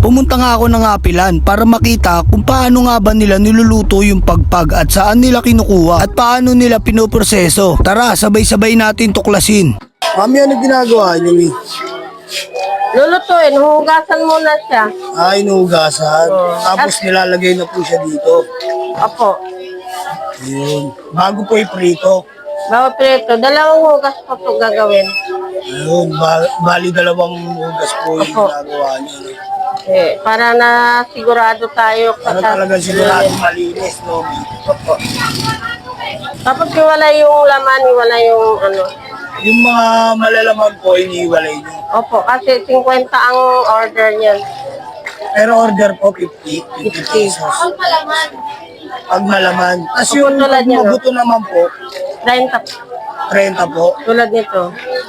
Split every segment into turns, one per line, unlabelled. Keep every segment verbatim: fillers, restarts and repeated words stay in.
Pumunta nga ako ng Apilan para makita kung paano nga ba nila niluluto yung pagpag at saan nila kinukuha at paano nila pinoproseso. Tara, sabay-sabay natin tuklasin. Mami, ano ginagawa niyo, Mi?
Lulutuin, hugasan muna siya.
Ay, inuhugasan.
Oo.
Tapos nilalagay na po siya dito.
Opo.
Ayun. Bago po iprito.
Bago prito, dalawang hugas po ito gagawin.
Ayun, ba- bali dalawang hugas po yung
Opo.
ginagawa niyo. No?
Eh, para na sigurado tayo.
Para talagang sigurado malinis, no?
Opo. Tapos iwala yung laman, iwala yung ano.
Yung mga malalaman po, iniiwalay niyo.
Opo, kasi fifty ang order niyan.
Pero order po, fifty. fifty pesos. Pag malaman. Tapos
Opo,
yung
tulad niya, no?
mabuto naman po,
thirty
thirty po.
tulad nito.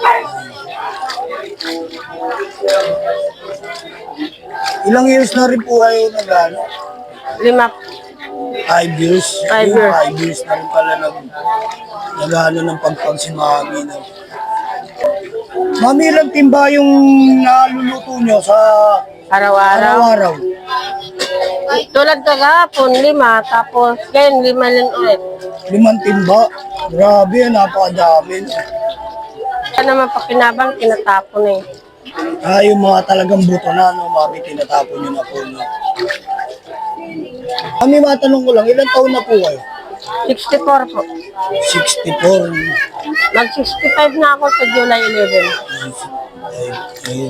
Ilang years na rin po kayo nag-ano?
Lima.
Five years.
Five
Ayun,
years.
Five years na rin pala nag, nag-ano ng pagpag si Mami. No? Mami, ilang timba yung naluluto nyo sa
Araw-araw.
araw-araw?
Tulad kagahapon, lima. Tapos ngayon, lima lang ulit.
Limang timba. Grabe, napakadami. No?
Kaya naman pakinabang, tinatapon eh.
Ah, yung mga talagang buto na, no, Mami, tinatapon nyo na po. No? Mami, matanong ko lang, ilang taon na po kayo?
sixty-four po.
sixty-four.
Mag-sixty-five na ako sa July eleven.
Ay, ayun.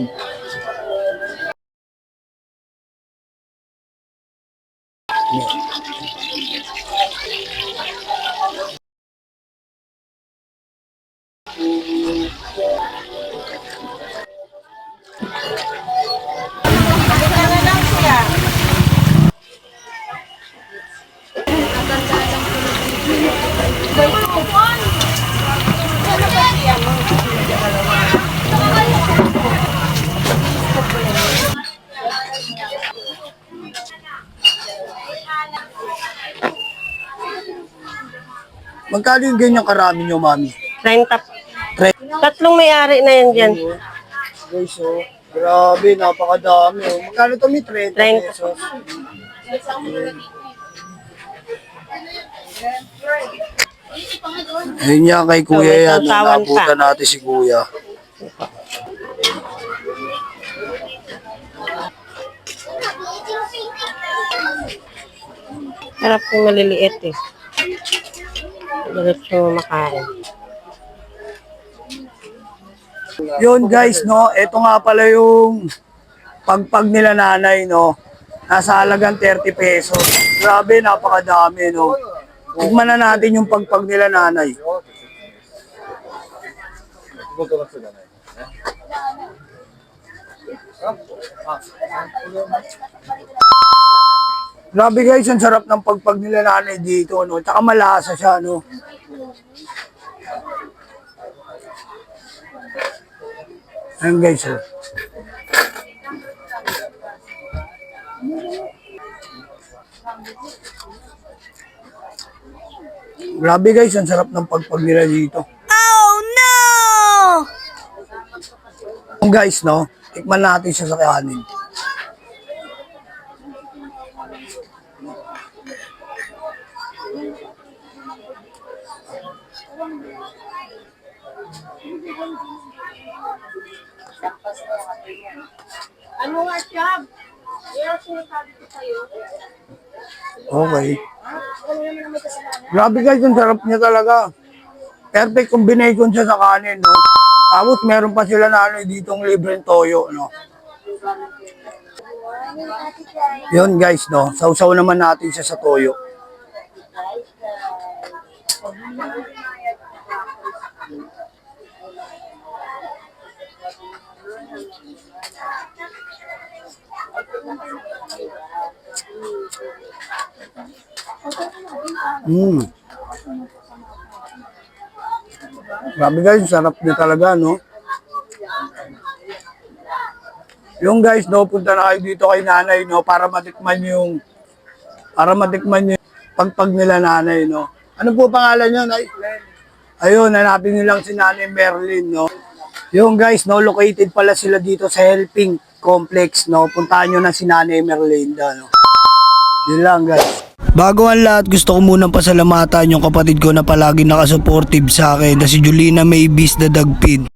Magkano yung ganyan karami nyo, Mami?
thirty.
Tre-
Tatlong may-ari na yan dyan.
Guys, oh, grabe, napakadami. Oh. Magkano to, Mi? thirty
thirty.
pesos. Ayun niya kay Kuya
So, may
yan.
sausawan
Nabutan natin si Kuya.
Harap yung maliliit eh. Diretso makain.
Yun guys, no, ito nga pala yung pagpag nila nanay, no. Nasa halagang thirty pesos. Grabe, napakadami, no. Tignan na natin yung pagpag nila nanay. Grabe guys, ang sarap ng pagpag nila nanay dito, no. Tsaka malasa siya, no. Ayun guys, oh. Grabe guys, ang sarap ng pagpag nila dito. Oh no! Guys, no, tikman natin siya sa kanin.
Ano nga siya? Yung sinasabi ko sa'yo.
Okay. Grabe guys, ang sarap niya talaga. Perfect combination siya sa kanin, no? Tapos meron pa sila na ano ditong libreng toyo, no? Yun guys, no? Sausaw naman natin siya sa toyo. Mm. Grabe guys, sarap niya talaga, no? Yung guys, no, punta na kayo dito kay nanay, no, para matikman yung, para matikman yung pagpag nila nanay, no. Ano po pangalan niyo, Nay? Ayun, hanapin niyo lang si Nanay Merlin, no. Yung guys, no, located pala sila dito sa Helping. complex, no? Puntahan nyo na si Nanay Merlinda, no? Yun lang, guys. Bago ang lahat, gusto ko munang pasalamatan yung kapatid ko na palagi nakasupportive sa akin na si Julina Maybis the Dagpin.